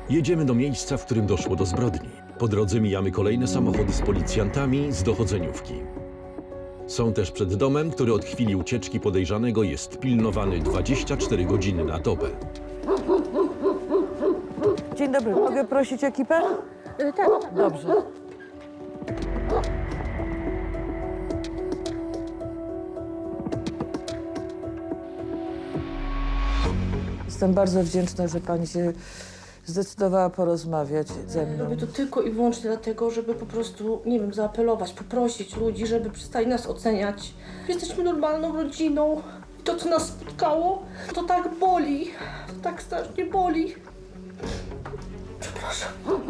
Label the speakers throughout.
Speaker 1: Jedziemy do miejsca, w którym doszło do zbrodni. Po drodze mijamy kolejne samochody z policjantami z dochodzeniówki. Są też przed domem, który od chwili ucieczki podejrzanego jest pilnowany 24 godziny na dobę.
Speaker 2: Dzień dobry, mogę prosić ekipę?
Speaker 3: Tak.
Speaker 2: Dobrze. Jestem bardzo wdzięczna, że pani się zdecydowała porozmawiać ze mną.
Speaker 3: Robię to tylko i wyłącznie dlatego, żeby po prostu, nie wiem, zaapelować, poprosić ludzi, żeby przestali nas oceniać. Jesteśmy normalną rodziną. To, co nas spotkało, to tak boli. To tak strasznie boli. Przepraszam.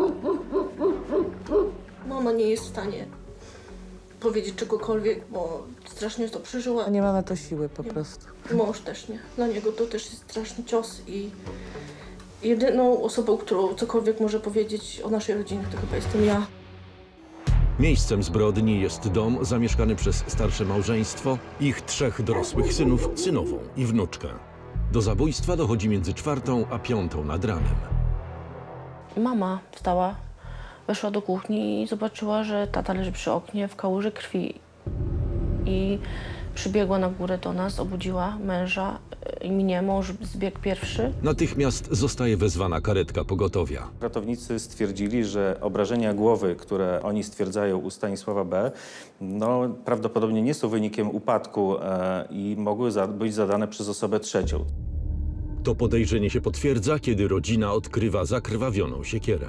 Speaker 3: Mama nie jest w stanie powiedzieć czegokolwiek, bo strasznie to przeżyła.
Speaker 2: Nie ma na to siły po prostu.
Speaker 3: Mąż też nie. Dla niego to też jest straszny cios i jedyną osobą, którą cokolwiek może powiedzieć o naszej rodzinie, to chyba jestem ja.
Speaker 1: Miejscem zbrodni jest dom zamieszkany przez starsze małżeństwo, ich 3 dorosłych synów, synową i wnuczkę. Do zabójstwa dochodzi między 4 a 5 nad ranem.
Speaker 3: Mama wstała, weszła do kuchni i zobaczyła, że tata leży przy oknie w kałuży krwi. I przybiegła na górę do nas, obudziła męża i mnie. Mąż zbiegł pierwszy.
Speaker 1: Natychmiast zostaje wezwana karetka pogotowia.
Speaker 4: Ratownicy stwierdzili, że obrażenia głowy, które oni stwierdzają u Stanisława B., no, prawdopodobnie nie są wynikiem upadku i mogły być zadane przez osobę trzecią.
Speaker 1: To podejrzenie się potwierdza, kiedy rodzina odkrywa zakrwawioną siekierę.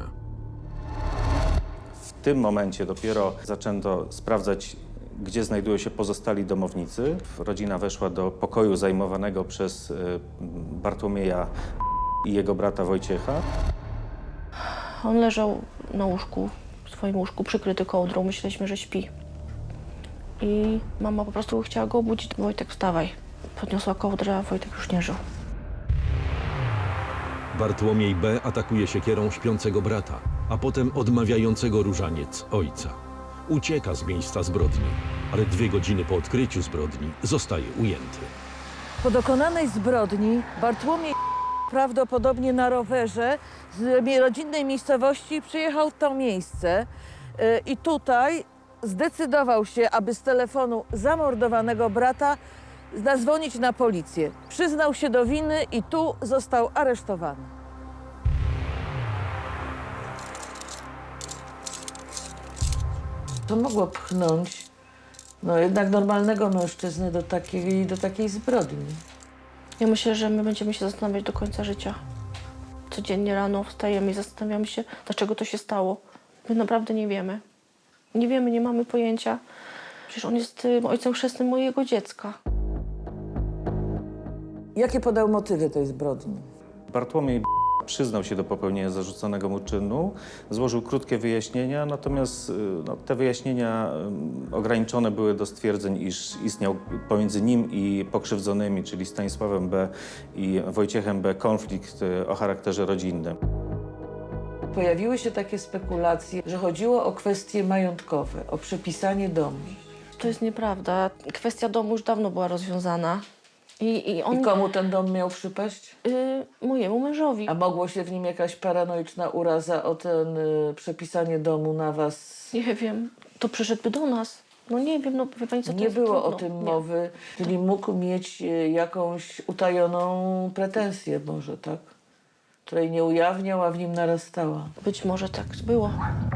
Speaker 4: W tym momencie dopiero zaczęto sprawdzać, gdzie znajdują się pozostali domownicy. Rodzina weszła do pokoju zajmowanego przez Bartłomieja i jego brata Wojciecha.
Speaker 3: On leżał na łóżku, w swoim łóżku, przykryty kołdrą. Myśleliśmy, że śpi. I mama po prostu chciała go obudzić. Wojtek, wstawaj. Podniosła kołdrę, a Wojtek już nie żył.
Speaker 1: Bartłomiej B. atakuje siekierą śpiącego brata, a potem odmawiającego różaniec ojca. Ucieka z miejsca zbrodni, ale 2 godziny po odkryciu zbrodni zostaje ujęty.
Speaker 2: Po dokonanej zbrodni Bartłomiej prawdopodobnie na rowerze z rodzinnej miejscowości przyjechał w to miejsce i tutaj zdecydował się, aby z telefonu zamordowanego brata zadzwonić na policję. Przyznał się do winy i tu został aresztowany. To mogło pchnąć jednak normalnego mężczyznę do takiej zbrodni.
Speaker 3: Ja myślę, że my będziemy się zastanawiać do końca życia. Codziennie rano wstajemy i zastanawiamy się, dlaczego to się stało. My naprawdę nie wiemy. Nie wiemy, nie mamy pojęcia. Przecież on jest ojcem chrzestnym mojego dziecka.
Speaker 2: Jakie podał motywy tej zbrodni?
Speaker 4: Bartłomiej przyznał się do popełnienia zarzuconego mu czynu, złożył krótkie wyjaśnienia, natomiast te wyjaśnienia ograniczone były do stwierdzeń, iż istniał pomiędzy nim i pokrzywdzonymi, czyli Stanisławem B. i Wojciechem B. konflikt o charakterze rodzinnym.
Speaker 2: Pojawiły się takie spekulacje, że chodziło o kwestie majątkowe, o przepisanie domu.
Speaker 3: To jest nieprawda. Kwestia domu już dawno była rozwiązana. I
Speaker 2: komu ten dom miał przypaść?
Speaker 3: Mojemu mężowi.
Speaker 2: A mogło się w nim jakaś paranoiczna uraza o ten przepisanie domu na was?
Speaker 3: Nie wiem, to przyszedłby do nas. No nie wiem, no wie pani co to
Speaker 2: Nie
Speaker 3: jest
Speaker 2: było
Speaker 3: trudno.
Speaker 2: o tym
Speaker 3: Nie.
Speaker 2: mowy, czyli mógł mieć jakąś utajoną pretensję może, tak? Której nie ujawniał, a w nim narastała.
Speaker 3: Być może tak było.